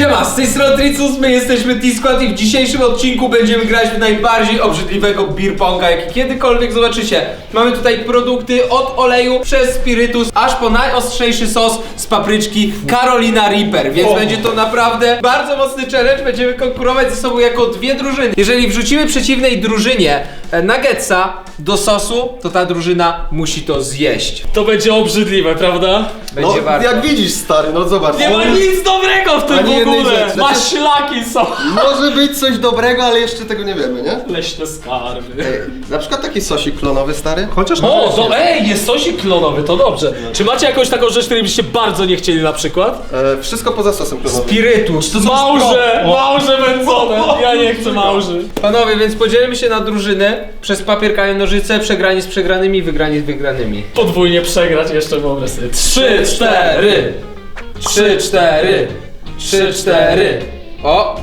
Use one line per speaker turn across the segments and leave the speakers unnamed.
Siema, z tej strony Tricus, my jesteśmy T-Squad i w dzisiejszym odcinku będziemy grać w najbardziej obrzydliwego beer ponga, jaki kiedykolwiek zobaczycie. Mamy tutaj produkty od oleju przez spirytus, aż po najostrzejszy sos z papryczki Carolina Reaper, więc będzie to naprawdę bardzo mocny challenge, będziemy konkurować ze sobą jako dwie drużyny. Jeżeli wrzucimy przeciwnej drużynie nuggetsa do sosu, to ta drużyna musi to zjeść.
To będzie obrzydliwe, prawda?
Będzie warto.
Jak widzisz, stary, no zobacz.
Nie ma nic dobrego w tym
Ani
w
jednej
ogóle!
rzeczy.
Maślaki są!
Może być coś dobrego, ale jeszcze tego nie wiemy, nie?
Leśne skarby.
Ej, na przykład taki sosik klonowy, stary.
Chociaż
O, to jest sosik klonowy, to dobrze. Czy macie jakąś taką rzecz, której byście bardzo nie chcieli na przykład?
Wszystko poza sosem klonowym.
Spirytus.
Małże wędzone! Ja nie chcę małży.
Panowie, więc podzielimy się na drużyny przez papier, kamień, nożyce, przegrani z przegranymi, wygrani z wygranymi.
Podwójnie przegrać jeszcze wyobraź sobie. 3, 4.
3, 4. 3, 4. O!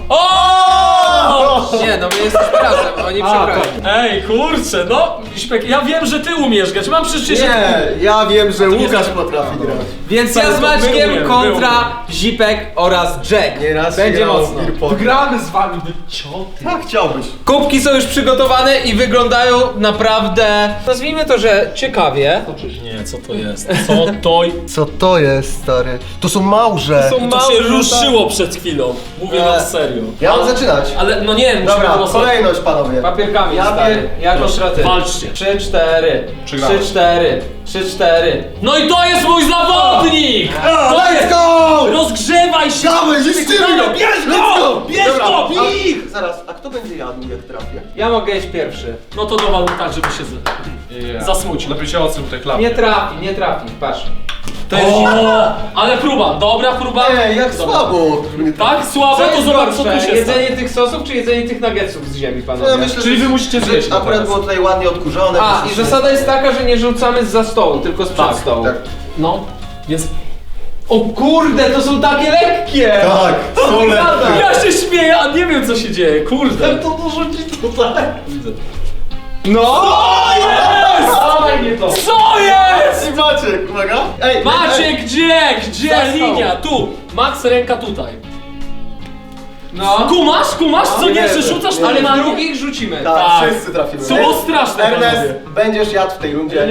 O!
Nie, no my jesteśmy razem, oni przegrali.
Ej, kurczę, no, Śpek, ja wiem, że ty umiesz grać, mam przecież...
Nie, ja wiem, że
nie
Łukasz
jest-
potrafi grać.
Więc
Stary,
ja z
to my
Maćkiem
umiemy,
kontra Zipek oraz Jack.
Nieraz
Będzie
grał w
mocno.
beer pong.
gramy z wami do cioty.
Tak, chciałbyś.
Kubki są już przygotowane i wyglądają naprawdę, nazwijmy to, że ciekawie.
Nie, co to jest? Co to...
Co to jest, stary? To są małże.
To są
To się
małże,
ruszyło przed chwilą. Mówię wam serio.
Ja mam zaczynać.
Ale no nie, musimy
Dobra,
wylosować.
kolejność, panowie.
Papierkami,
Ja
stary.
wiem.
Jak oszraty.
Walczcie.
3, 4. 3,
Przegrałeś.
4. 3, 4.
No i to jest mój zawodnik! To
Let's
jest...
go!
Rozgrzewaj się!
Dawaj, zniszczymy go!
Bierz
Let's
go!
go!
Bierz
Dobra,
go!
a-
Bij!
Zaraz, a kto będzie jadł, jak trafię?
Ja mogę iść pierwszy.
No to dowal tak, żeby się zasmucił.
Lepiej się odsuń tutaj klapie.
Nie trafi, patrz. To jest
O, ale próba, dobra próba.
Ej, jak
Dobra.
słabo.
Tak, słabe,
Co
to
jest
zobacz co tu
gorsze,
się
jedzenie
stało.
tych sosów czy jedzenie tych nuggetsów z ziemi,
No,
panowie?
ja myślę,
Czyli
że-
wy musicie
że
zjeść to
Akurat
teraz.
było tutaj ładnie odkurzone.
A,
więc-
i zasada jest taka, że nie rzucamy zza stołu, tylko sprzed
Tak,
stołu.
tak.
No, więc...
O kurde, to są takie lekkie!
Tak, są lekkie.
Ja się śmieję, a nie wiem co się dzieje, kurde.
To dorzucić tutaj.
Widzę.
No!
Jest!
Dawaj mnie to!
Co jest?
I Maciek, uwaga. Ej,
Maciek, gdzie? Gdzie
Za stoł.
linia? Tu. Max, ręka tutaj.
No.
Kumasz, co nie, że rzucasz
Ale
na
w
mnie?
drugich rzucimy.
Tak,
Tak.
wszyscy trafimy.
To było straszne,
Ernest,
panowie.
będziesz jadł w tej rundzie.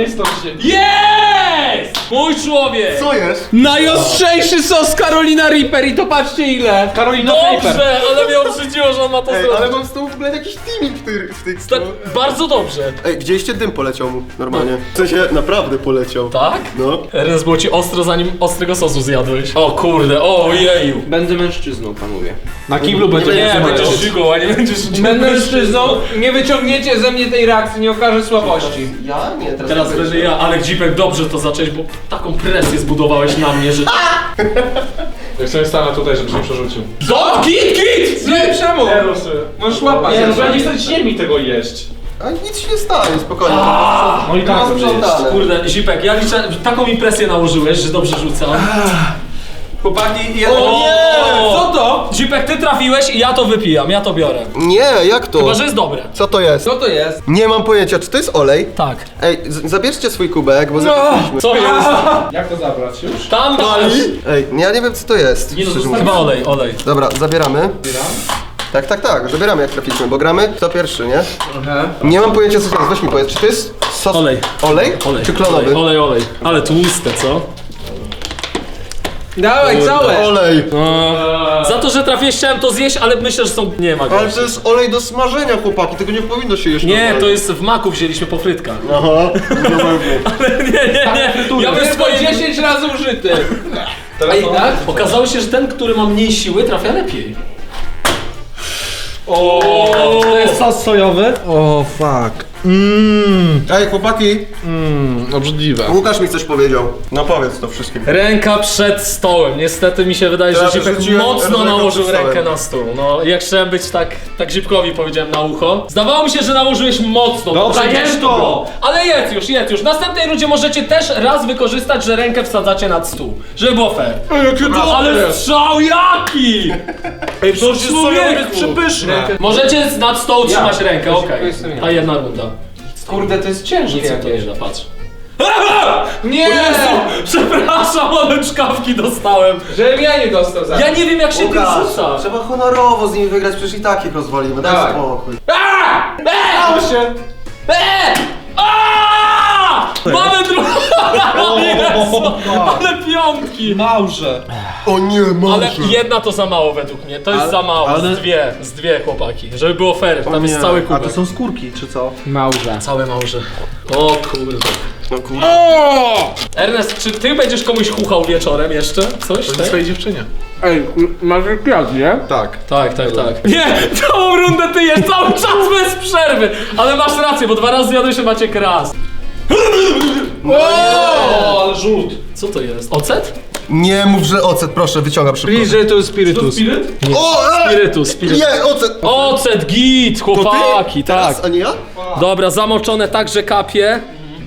Jest! Mój człowiek!
Co jest?
Najostrzejszy sos Carolina Reaper i to patrzcie ile!
Carolina Reaper.
Dobrze, ale mnie obrzydziło, że on ma to
Ej,
zrobić.
ale mam z tyłu w ogóle jakiś teaming w tych
Tak, bardzo dobrze.
Ej, widzieliście dym poleciał mu normalnie. W sensie naprawdę poleciał.
Tak?
No.
Ernest, było ci ostro zanim ostrego sosu zjadłeś. O kurde, ojeju.
Będę mężczyzną, panowie.
Na kiblu będzie
Nie,
wytrzymać.
będziesz żygą, a nie będziesz
Będę mężczyzną, nie wyciągniecie ze mnie tej reakcji, nie okaże słabości.
Ja? Nie, teraz,
Teraz
ty
będę ja, ale Dzipek, dobrze to zacząłeś, bo taką presję zbudowałeś na mnie, że...
Jak sobie stanę tutaj, żeby się przerzucił.
Kit!
Nie, czemu?
Rusy.
Możesz łapać.
Nie, no nie chcecie mi tego jeść.
A nic się nie stanie, spokojnie.
No i tak
Mam
dobrze jest.
sprzątane.
Kurde, Zipek, ja liczę, taką mi presję nałożyłeś, że dobrze rzucam.
Chłopaki,
O nie!
Co to?
Zipek, ty trafiłeś i ja to wypijam, ja to biorę.
Nie, jak to?
Chyba, że jest dobre.
Co to jest?
Co to jest?
Nie mam pojęcia, czy to jest olej?
Tak.
Ej, zabierzcie swój kubek, bo zapomnieliśmy.
Co jest?
Jak to zabrać już?
Tam masz!
Ej, ja nie wiem co to jest.
Nie no,
szczerze
to chyba
mówiąc.
olej.
Dobra, zabieramy. Tak, zabieramy jak trafiliśmy, bo gramy kto pierwszy, nie? Nie mam pojęcia co to jest, weź mi powiedz, czy to jest sos...
Olej.
Olej? Czy klonowy?
Olej. Ale tłuste, co?
Dawaj, całe!
Olej!
Za to, że trafiłeś, chciałem to zjeść, ale myślę, że są... Nie ma go.
Ale to jest olej do smażenia, chłopaki, tego nie powinno się jeść.
Nie,
normalnie.
to jest w maku wzięliśmy po frytkach.
Aha,
Nie. Ja bym
Jest
swoje...
10 razy użyty.
Teraz
Ej,
to-
tak?
Okazało się, że ten, który ma mniej siły, trafia lepiej. O, to jest
Sos sojowy. O fuck.
Ej, chłopaki,
Obrzydliwe.
Łukasz mi coś powiedział. No powiedz to wszystkim.
ręka przed stołem. Niestety mi się wydaje,
Ja
że Zipek
wyrzuciłem
mocno
rękę
nałożył
przed stołem.
rękę na stół. No, jak chciałem być tak Zipkowi powiedziałem na ucho. Zdawało mi się, że nałożyłeś mocno.
Dobrze,
tak
jedz to!
było. Ale jedz już. W następnej rundzie możecie też raz wykorzystać, że rękę wsadzacie nad stół. Żeby było fair. Ale strzał jaki!
Ej, to jest sojowe, jest
Człowieku!
przepyszne.
Możecie nad stołu trzymać rękę,
To
okej.
jestem ja.
Ta jedna runda.
Kurde, to jest ciężkie
Nic mi to nie
jakieś.
da, patrz.
Nie!
O Jezu, przepraszam, ale czkawki dostałem.
Żebym ja nie dostał za.
Ja nie wiem jak się tym rzuca.
Trzeba honorowo z nimi wygrać, przecież i tak ich rozwalimy, daj
Dawaj.
spokój.
Dało się!
Mamy drugą! Ale piątki!
Małże.
O nie,
Ale
może.
jedna to za mało według mnie, to jest za mało,
ale-
z dwie chłopaki, żeby było fair, tam jest
nie.
cały
A
kubek.
to są skórki, czy co?
Małże.
Całe małże. O kurde.
No kurde.
Ernest, czy ty będziesz komuś chuchał wieczorem jeszcze? Coś?
To
tak?
jest swojej dziewczynie.
Ej, masz kwiat, nie?
Tak.
Tak, tak, tak. Nie, całą rundę ty jesz, cały czas bez przerwy. Ale masz rację, bo 2 razy zjadłeś się Maciek raz.
O, ale rzut.
Co to jest? Ocet?
Nie mów, że ocet, proszę, wyciągam szybko.
Bliżej to spirytus.
Spiryt?
O,
Spirytus.
Nie, ocet!
Ocet, git, chłopaki, tak.
Teraz, a nie ja?
Dobra, zamoczone tak, że kapie.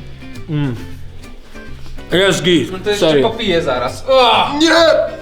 Jest git,
To jeszcze
serio.
popiję zaraz.
Nie!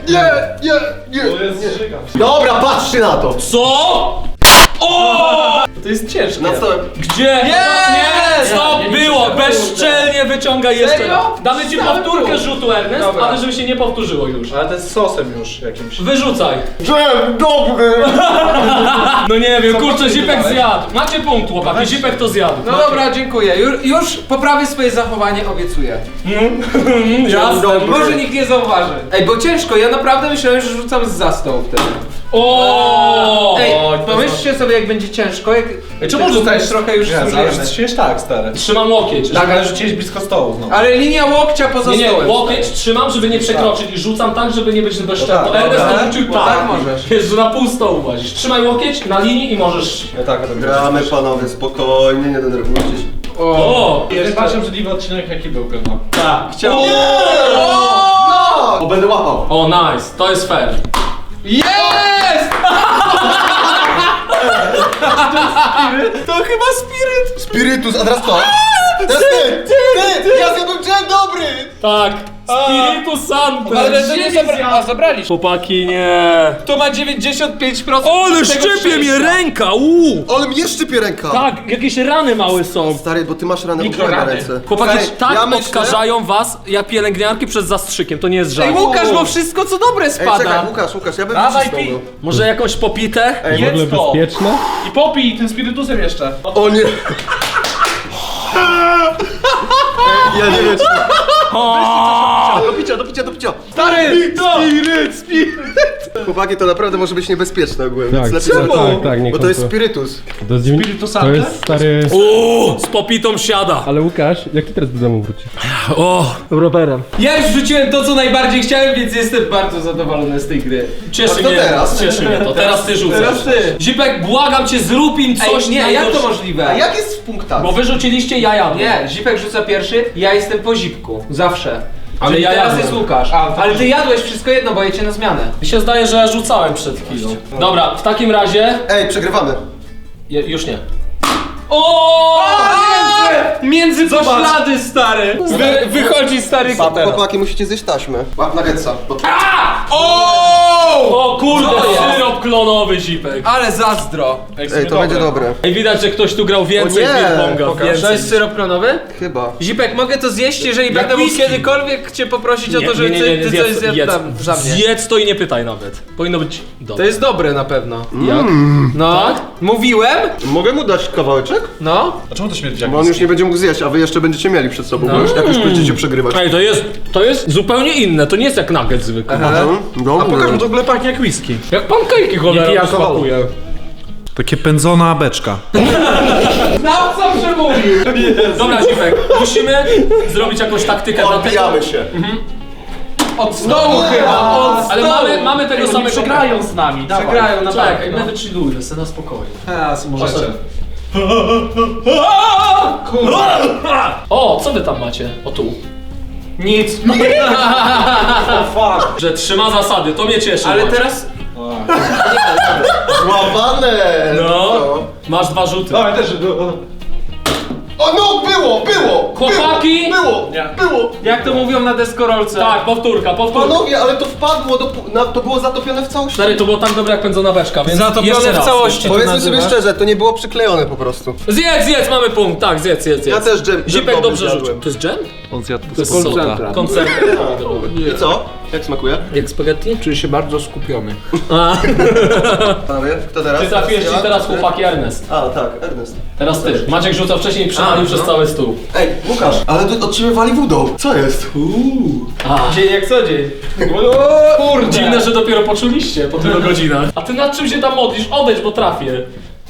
Dobra, patrzcie na to!
Co? To jest ciężkie.
Nad stołem.
Gdzie?
Nie!
Stop,
Nie,
było!
nie,
Bezczelnie wyciągaj jeszcze
Serio?
raz. Damy ci
Stałem
powtórkę
tu.
rzutu, Ernest,
Dobra.
ale żeby się nie powtórzyło już.
Ale to jest sosem już jakimś.
Wyrzucaj.
Dżem, dobry!
No nie wiem, kurczę,
potem
Zipek
dodałeś?
zjadł. Macie punkt, chłopaki, Zipek to zjadł.
No dobra, dziękuję. Już poprawię swoje zachowanie, obiecuję.
Jasne.
Może nikt nie zauważy. Ej, bo ciężko, ja naprawdę myślałem, że rzucam zza stołu wtedy.
O!
Ej,
Oj, to
pomyślcie sobie, jak będzie ciężko, jak...
Czemu rzucałeś
trochę już
ale
zużyjemy.
rzuciłeś tak, stary.
Trzymam łokieć.
Tak, ale rzuciłeś blisko stołu znowu.
Ale linia łokcia poza
Nie, nie,
stołem.
łokieć trzymam, żeby nie przekroczyć i rzucam tak, żeby nie być bezszczętny.
tak,
Ernest
dobra.
to rzucił
No
tak.
tak możesz.
Wiesz, że na pół stołu włazisz. Trzymaj łokieć na linii i możesz...
No tak, to
Gramy, panowie, spokojnie, nie denerwujcie się.
O!
To jest bardziej obrzydliwy odcinek, jaki był pewno.
Tak.
Chciałem...
O, będę łapał.
O, nice, to jest fair.
Jest! To chyba spiryt.
Spirytus, a teraz to? Teraz ty! Ja zjadłem dżem dobry!
Tak. Spiritus Santo.
Ale to nie a zabraliście.
Chłopaki, nie.
To ma 95%.
Ale
tego
szczepie mnie
szczęścia.
ręka,
Ale mnie szczypie ręka!
Tak, jakieś rany małe są.
Stary, bo ty masz ranę ogólnie na
Mikrorany.
ręce.
Chłopaki,
Stary,
tak
ja myślę-
odkażają was jak pielęgniarki przed zastrzykiem, to nie jest
Ej,
żart.
Łukasz, bo wszystko co dobre
Ej,
spada.
czekaj, Łukasz, ja bym
Dawaj,
wycisnął
pij.
go.
Może jakąś popitę?
Ej,
Jedz to.
Bezpieczne?
I popij tym spirytusem jeszcze.
O nie! Ja nie wiem, czy... Do picia!
Stary!
Chłopaki, to naprawdę może być niebezpieczne ogólnie,
Tak,
więc lepiej
czemu?
zobaczyć.
Tak, nie
Bo to jest
kontrol-
spirytus.
To jest, to jest stary...
Z popitą siada.
Ale Łukasz, jak ty teraz do domu wrócisz?
O, rowerem.
Ja już wrzuciłem to, co najbardziej chciałem, więc jestem bardzo zadowolony z tej gry.
Cieszy
A to
mnie,
teraz?
cieszy mnie to. Teraz ty rzucasz.
Teraz ty.
Zipek, błagam cię, zrób im coś
Ej, nie, jak to
najgorszego.
możliwe?
A jak jest w punktach?
Bo wy rzuciliście, ja jadłem.
Nie, Zipek rzuca pierwszy, ja jestem po Zipku. Zawsze.
Ale
Czyli
ja
teraz
jadłem.
jest Łukasz. Ale ty jadłeś wszystko jedno, bo jecie na zmianę.
Mi się zdaje, że ja rzucałem przed chwilą. Dobra, w takim razie...
Ej, przegrywamy.
Już nie. O!
Między poślady, stary! Wychodzi stary
Chłopaki, musicie zjeść taśmę. Łap na getsa.
O kurde,
Co jest?
syrop klonowy, Zipek.
Ale zazdro.
Ej, to będzie dobre.
Ej, widać, że ktoś tu grał więcej
O nie,
ping-ponga.
To
Więcej.
jest syrop klonowy?
Chyba.
Zipek, mogę to zjeść, jeżeli będę mógł
whisky.
kiedykolwiek cię poprosić o to, żeby ty coś zjadł za mnie.
Zjedz to i nie pytaj nawet. Powinno być
To
dobre.
jest dobre na pewno.
Jak?
No,
Tak?
mówiłem?
Mogę mu dać kawałeczek?
No.
A czemu to śmierdzi jak
Bo on już nie będzie mógł zjeść, a wy jeszcze będziecie mieli przed sobą, bo już jak już będziecie przegrywać.
Ej, to jest zupełnie inne, to nie jest jak nugget zwykły.
Dobry.
A pokaż mu to w ogóle pachnie jak whisky.
Jak pankejki
Nie
cholera
pije alkoholu.
smakuje.
Takie pędzona beczka.
Znawca przemówił.
Dobra, Zipek, musimy zrobić jakąś taktykę dla tego.
Odbijamy się.
Od stołu chyba, od stołu.
Ale mamy tego samego.
Przegrają z nami, dawaj.
Przegrają na
Czekaj,
bank,
my wychillujmy sobie na spokojnie.
Możecie.
O, co wy tam macie? O tu.
Nic.
Fuck.
Że trzyma zasady, to mnie cieszy.
Ale
Maciek.
teraz...
Złapane!
No, masz 2 rzuty.
Dawaj też.
O no, było!
Chłopaki!
Było!
Jak to mówią na deskorolce?
Tak, powtórka.
Panowie, ale to wpadło, to było zatopione w całości.
Stary, to było tak dobre jak pędzona beczka, więc jeszcze
Zatopione w
raz.
całości to
Powiedzmy sobie
nazywasz?
szczerze, to nie było przyklejone po prostu.
Zjedz, mamy punkt, tak, zjedz.
Ja też dżem
Zipek
dobry
dobrze
zjadłem.
rzucił. To jest dżem?
On zjadł
To jest soda. Koncentrat.
I co? Jak smakuje?
Jak spaghetti?
Czuję się bardzo skupiony.
Panowie, kto teraz?
Ty trafiłeś
ja?
ci teraz
Ty?
chłopaki Ernest.
A, tak, Ernest.
Teraz ty. Maciek rzucał wcześniej i przywalił przez cały stół.
Ej, Łukasz, ale tu od ciebie wali wodą. Co jest?
Dzień jak co dzień.
Kurde. Dziwne, że dopiero poczuliście po tylu godzinach. A ty nad czym się tam modlisz? Odejdź, bo trafię.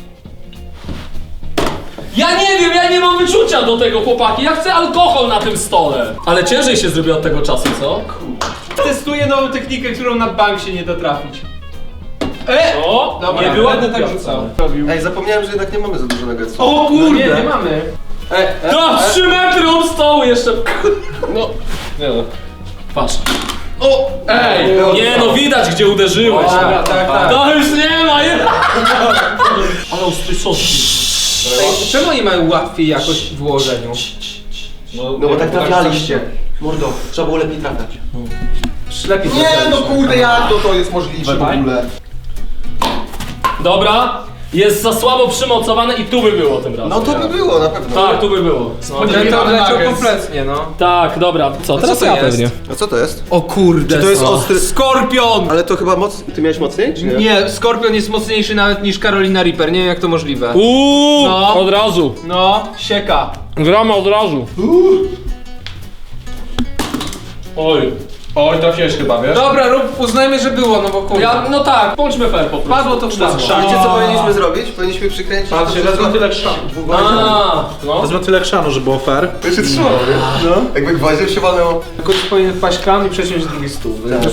Ja nie wiem, ja nie mam wyczucia do tego, chłopaki. Ja chcę alkohol na tym stole. Ale ciężej się zrobi od tego czasu, co?
Testuję nową technikę, którą na bank się nie da trafić.
O,
Dobra,
nie była
będę
głupia
tak rzucał.
wcale.
Ej, zapomniałem, że jednak nie mamy za dużo nuggetsów.
O
No
kurde!
nie mamy.
To 3 metry od stołu jeszcze. No. Nie no. Patrz. O! Ej! Nie no, widać gdzie uderzyłeś.
Dobra, tak.
To już nie ma, nie? Ale ostry sos.
Ej, czemu oni mają łatwiej jakoś w ułożeniu?
No bo tak trafialiście. Mordo, trzeba było lepiej trafiać.
Lepiej
Nie no kurde, jak to jest możliwe w ogóle?
Dobra, jest za słabo przymocowane i tu by było tym razem.
No to by było na pewno.
Tak, tu by było. No.
Ten to odleciał kompletnie, no.
Tak, dobra. Co, teraz
co to
ja
jest?
pewnie.
A co to jest?
O kurde.
Czy to jest ostry...
Skorpion!
Ale to chyba moc... Ty miałeś mocniej, czy nie?
Nie, Skorpion jest mocniejszy nawet niż Carolina Reaper, nie wiem jak to możliwe.
No. Od razu.
No, sieka.
Gramy od razu.
Oj, trafiłeś chyba, wiesz?
Dobra, uznajmy, że było, no bo kurde.
No tak, bądźmy fair po prostu.
Padło to wpadło.
Wiecie co powinniśmy zrobić? Powinniśmy przykręcić...
Patrzcie,
to
wezmę tyle chrzanu.
No.
Wezmę tyle chrzanu, żeby było fair.
To się trzymało, nie? No. Jakby gwoździem się walnęło.
Tylko tu powinien wpaść kran i przesiąść drugi stół.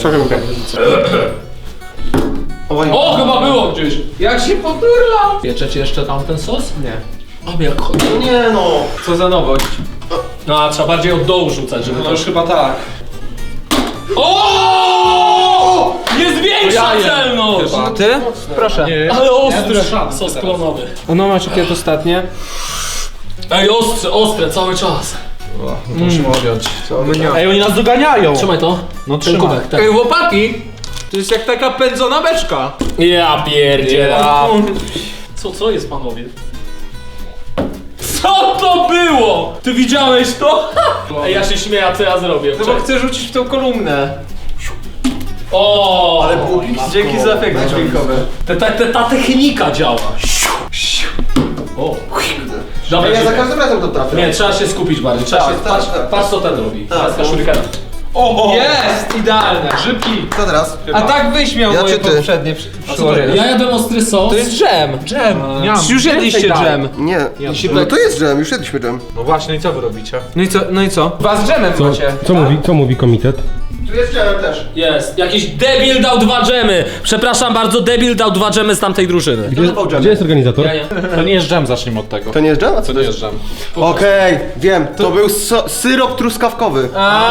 Oj.
O, chyba było gdzieś.
Jak się poturlał!
Pieczecie jeszcze tamten sos?
Nie.
O, jak chodzi.
No nie no.
Co za nowość.
No, a trzeba bardziej od dołu rzucać, żeby
No
to...
już chyba tak.
O! Jest większa celność!
A ty? Proszę.
Ale ostre.
chrzanu
Sos
teraz.
klonowy.
No masz jakie ostatnie?
Ej, ostre, cały czas.
Musimy odjąć.
Mnie.
Ej, oni nas doganiają!
Trzymaj to.
No
Ten
trzymaj.
kubek, tak.
Ej, chłopaki! To jest jak taka pędzona beczka.
Ja pierdzielę. Co jest, panowie? Co to było? Ty widziałeś to? Ej, ja się śmieję, a co ja zrobię?
No bo chcę rzucić w tą kolumnę.
O!
Ale było blisko.
Dzięki za efekty dźwiękowe.
Ta technika działa. O! Dobra,
Ja za
Zipek.
każdym razem to trafię.
Nie, trzeba się skupić bardziej. Trzeba
Tak,
się...
tak,
patrz,
tak.
patrz co ten robi.
Tak,
Teraz
tak.
shurikena.
Jest! Idealne.
Grzybki!
Co teraz?
A tak wyśmiał
Ja
moje
czy ty?
poprzednie przyłożenie.
Ja jadłem ostry sos.
To jest dżem.
Dżem!
Już jedliście dżem.
Nie. No to jest dżem, już jedliśmy dżem.
No właśnie, i co wy robicie?
No i co? Was z dżemem macie.
Co mówi komitet?
Tu jest dżemem też.
Jest. Jakiś debil dał 2 dżemy. Przepraszam bardzo, debil dał 2 dżemy z tamtej drużyny.
Gdzie jest organizator?
Ja nie.
To nie jest dżem, zacznijmy od tego.
To nie jest dżem? A co
To nie jest dżem.
Okej, wiem. To był syrop truskawkowy.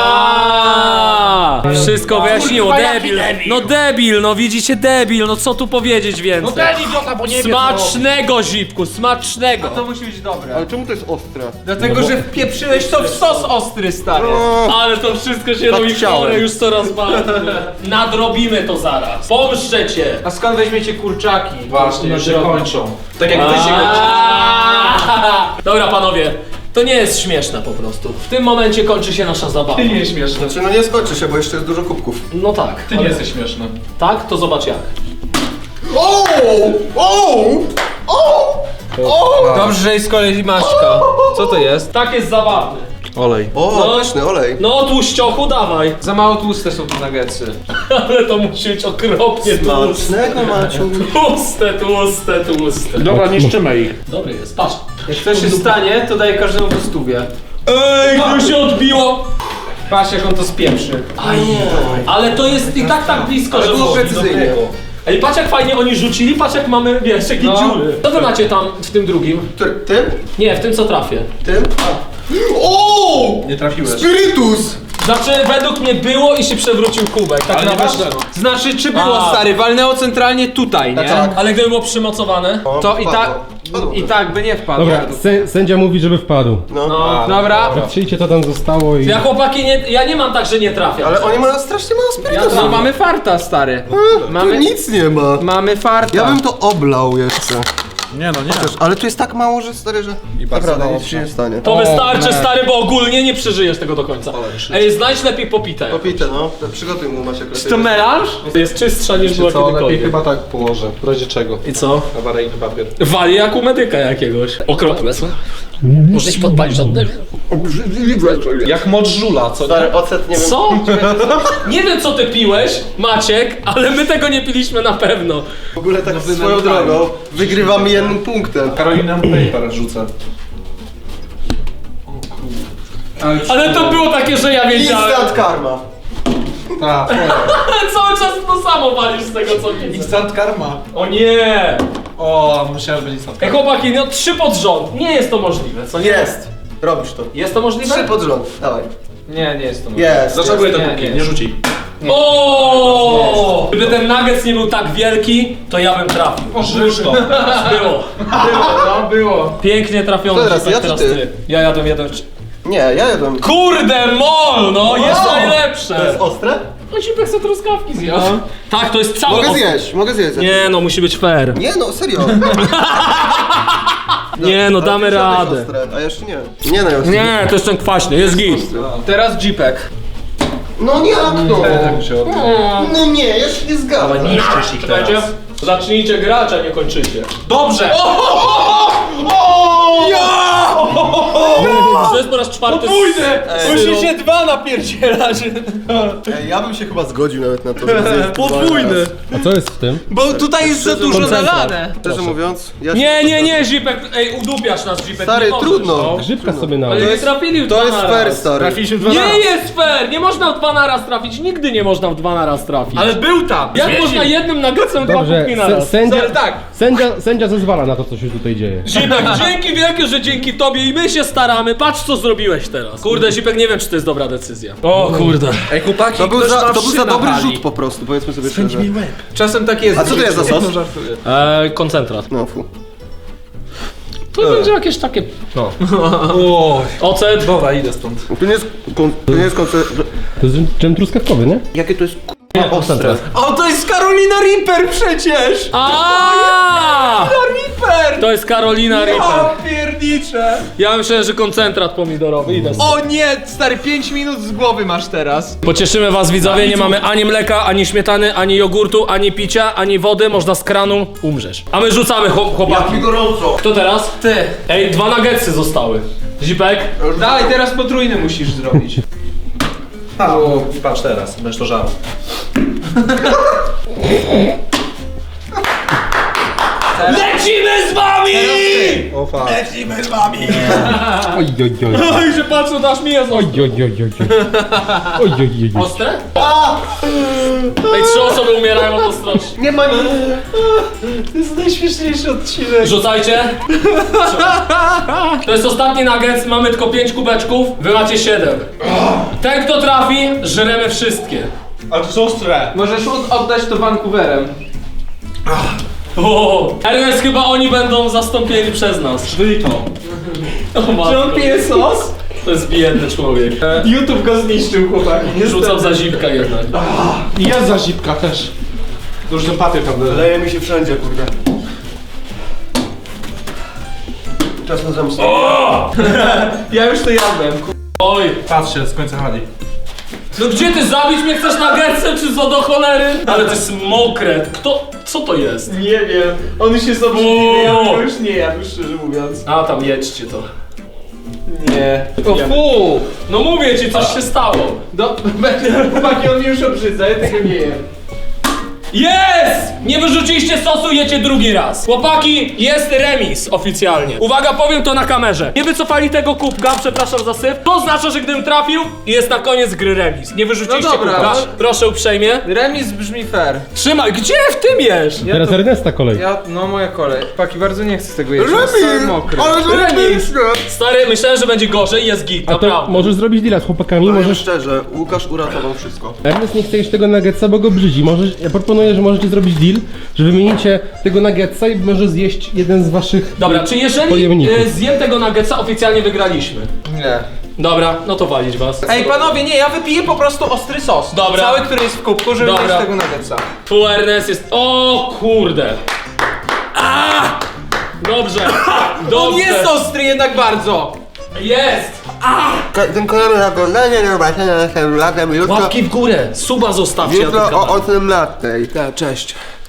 Wszystko wyjaśniło, debil. No debil, no widzicie debil, no co tu powiedzieć więcej?
idiota, bo nie
Smacznego, Zipku, smacznego.
To musi być dobre.
Ale czemu to jest ostre?
Dlatego, że wpieprzyłeś to w sos ostry, stary.
Ale to wszystko się
Tak
robi
chciałem.
chore już coraz bardziej. Nadrobimy to zaraz. Pomszczę cię.
A skąd weźmiecie kurczaki?
Właśnie, już się
drogę.
kończą. Tak jak wy się kończycie.
Dobra panowie, to nie jest śmieszne po prostu. W tym momencie kończy się nasza zabawa.
Ty nie jest śmieszny.
Znaczy no nie skończy się, bo jeszcze jest dużo kubków.
No tak.
Ty nie jesteś śmieszny.
Tak? To zobacz jak.
O! O! O! O!
Dobrze, że jest kolej Maćka. Co to jest?
Tak jest zabawny.
Olej.
O,
No.
pyszny olej.
No tłuściochu dawaj.
Za mało tłuste są te nuggetsy.
Ale to musi być okropnie tłuste.
Smacznego Maciu.
Tłuste.
Dobra, niszczymy ich.
Dobry jest, patrz.
Jak coś się stanie, to daję każdemu po stówie.
Ej, to się odbiło.
Patrz jak on to spieprzy.
Ale to jest i tak blisko, że
było
może.
precyzyjnie.
Ej, patrz jak fajnie oni rzucili, patrz jak mamy, wiesz, jakie
No.
dziury. Co wy macie tam w tym drugim?
Tym?
Nie, w tym co trafię.
Tym? O!
Nie trafiłeś.
Spirytus!
Znaczy, według mnie było i się przewrócił kubek, tak
Ale nie
naprawdę.
wiesz,
Znaczy, czy było
A.
stary? Walnęło centralnie tutaj, nie?
Tak.
Ale gdyby było przymocowane,
O,
To i tak.
wpadło.
I tak by nie wpadł.
Dobra, sędzia mówi, żeby wpadł.
No.
Dobra.
Patrzyjcie, co tam zostało i...
Ja chłopaki, ja nie mam tak, że nie trafiam.
Ale oni mają strasznie mało spirytusu.
No mamy farta, stary.
Tu
Mamy,
nic nie ma.
mamy farta.
Ja bym to oblał jeszcze.
Nie no, nie.
Ale tu jest tak mało, że stary, że
bardzo
naprawdę
mało
nic się nie stanie.
To wystarczy, stary, bo ogólnie nie przeżyjesz tego do końca. Ej, znajdź lepiej popite.
Popite, no. To przygotuj mu Maciek lepiej.
To melanż?
Jest czystsza niż była
Co, lepiej
kiedykolwiek.
chyba tak położę. W razie czego?
I co?
Awaryjny papier.
Wali jak u medyka jakiegoś. Okropne są. Możesz podpalić oddech?
Jak moc żula, co nie?
Stary, ocet nie wiem.
Co? Nie wiem co ty piłeś, Maciek, ale my tego nie piliśmy na pewno.
W ogóle tak swoją drogą wygrywam jednym punktem.
Carolina Paper rzucę.
Ale to było takie, że ja wiedziałem.
Instant karma.
Tak,
Cały czas to samo walisz z tego co widzę.
Instant karma.
O nie!
O, myślałem, że będzie instant
Ej
karma.
chłopaki, no 3 pod rząd. Nie jest to możliwe, co nie?
Jest. Robisz to.
Jest to możliwe?
3 pod rząd. Dawaj.
Nie, nie jest to
Jest.
Zaczeguję te
Nie,
półki,
nie.
nie rzuci.
O! Gdyby ten nuggets nie był tak wielki, to ja bym trafił.
Żyż to.
Było.
No, było.
Pięknie trafiony.
To teraz
Zipek,
ja czy
teraz
ty?
Ja jadłem jeden.
Nie, ja jadłem.
Kurde, mol! No, jest
To
najlepsze!
jest ostre?
No Zipek sobie truskawki zjadł. Tak, to jest całe.
Mogę zjeść.
Nie no, musi być fair.
Nie no, serio.
Nie no,
Ale
damy
ty żadnych
radę.
ostre, a jeszcze nie. Nie no, już.
Nie, to jest ten kwaśny, jest git.
Teraz Jeepek.
No nie, jak to?
Tak mi się odbyło.
No nie, ja się nie zgadzam.
Niszczysz ich
Słuchajcie,
teraz.
zacznijcie grać, a nie kończycie.
Dobrze!
To jest po raz czwarty.
Musicie 2 napierdzielać.
Ej, ja bym się chyba zgodził nawet na to, żeby zjeść
Podwójny.
A co jest w tym?
Bo tutaj jest za dużo
koncentrat.
nalane.
Szczerze mówiąc, ja się
Nie, Zipek, ej, udupiasz nas, Zipek.
Stary,
nie możesz,
trudno.
no.
Grzybka sobie na...
Ale nie trafili w
To
dwa
jest
na
fair,
raz.
stary.
Trafiliśmy 2
Nie jest fair! Nie można w 2 na raz trafić, nigdy nie można w 2 na raz trafić.
Ale był tam.
jak można jednym nuggetsem 2
Dobrze,
kubki na raz?
Ale tak.
sędzia zezwala na to, co się tutaj dzieje.
Zipek, dzięki wielkie, że dzięki tobie i my się staramy. Patrz co zrobiłeś teraz. Kurde, Zipek, nie wiem czy to jest dobra decyzja. O kurde.
Ej, chłopaki,
To był
ktoś ma
za
wszy
dobry
na
rzut po prostu, powiedzmy sobie szczerze.
Czasem tak jest.
A co to jest za sos?
Koncentrat.
No fu.
To będzie jakieś takie... No.
Oj.
Ocet.
Dobra, idę stąd.
Tu nie jest koncert...
To jest dżem truskawkowy, nie?
Jakie to jest ostre.
O, to jest Carolina Reaper przecież!
Aaaa!
Reaper!
To jest Carolina Reaper.
O, piernicze!
Ja myślałem, że koncentrat pomidorowy. Idę stąd.
O nie, stary, 5 minut z głowy masz teraz.
Pocieszymy was widzowie, nie mamy ani mleka, ani śmietany, ani jogurtu, ani picia, ani wody, można z kranu, umrzesz. A my rzucamy chłopaki.
gorąco.
Kto teraz?
Ty.
Ej, 2 nuggetsy zostały. Zipek?
Dawaj, teraz potrójny musisz zrobić.
O, i patrz teraz, będziesz to żarł.
Lecimy z wami!
O, fakt.
Oj, oj, oj.
Oj, że patrzą, dasz mi jest
Oj, oj, oj, oj. Oj, oj, oj, oj.
ostre? Ej, 3 osoby umierają od ostrości.
Nie ma nic.
To jest najśmieszniejszy odcinek.
Rzucajcie. To jest ostatni nuggets, mamy tylko 5 kubeczków, wy macie 7. Ten kto trafi, żremy wszystkie.
Ale to są ostre.
Możesz oddać to Vancouverem.
O, Ernest, chyba oni będą zastąpieni przez nas.
Wyli to.
O
Czy on
matko.
pije sos?
To jest biedny człowiek.
YouTube go zniszczył, chłopaki.
Rzucam za zipka jednak.
I jest za zipka też. To już ten papier tam leży.
Leje mi się wszędzie, kurde. Czas na zemstę.
Ja już to jadłem.
Oj.
Patrzcie, z końca hali.
No gdzie ty zabić mnie chcesz nuggetsem czy co do cholery? Ale to jest mokre. Kto? Co to jest?
Nie wiem. On już jest obrzydliwy, ja bym go już nie jadł, szczerze mówiąc.
A tam jedźcie to.
Nie. O fu!
No mówię ci, coś się stało.
Chłopaki, on mnie już obrzydza, ja tego nie jem.
Jest! Nie wyrzuciliście sosu, jecie drugi raz. Chłopaki, jest remis oficjalnie. Uwaga, powiem to na kamerze. Nie wycofali tego kubka, przepraszam za syf. To oznacza, że gdybym trafił, jest na koniec gry remis. Nie wyrzuciliście
No dobra,
kubka.
no.
Proszę uprzejmie.
Remis brzmi fair.
Trzymaj, gdzie w tym jesz?
Teraz Ernesta kolej.
No moja kolej. Chłopaki, bardzo nie chcę tego jeść, jest cały mokry.
Remis. Stary, myślałem, że będzie gorzej, jest git,
A to
naprawdę.
możesz zrobić deala z chłopakami,
Powiem
możesz...
szczerze, Łukasz uratował wszystko.
Ernest nie chce jeść tego nuggetsa, bo go brzydzi. Ja proponuję proponuję, że możecie zrobić deal, że wymienicie tego nuggetsa i może zjeść jeden z waszych...
Dobra, czy jeżeli
pojemników.
zjem tego nuggetsa, oficjalnie wygraliśmy?
Nie.
Dobra, no to walić was.
Ej, panowie, nie, ja wypiję po prostu ostry sos.
Dobra.
Cały, który jest w kubku, żeby
Dobra.
mieć tego nuggetsa.
Full Ernest jest... O kurde! Dobrze, dobrze.
On jest ostry jednak bardzo.
Jest!
Dziękujemy za oglądanie, do zobaczenia następnym razem jutro.
Łapki w górę, suba zostawcie.
Jutro o 18:00.
Tak, cześć.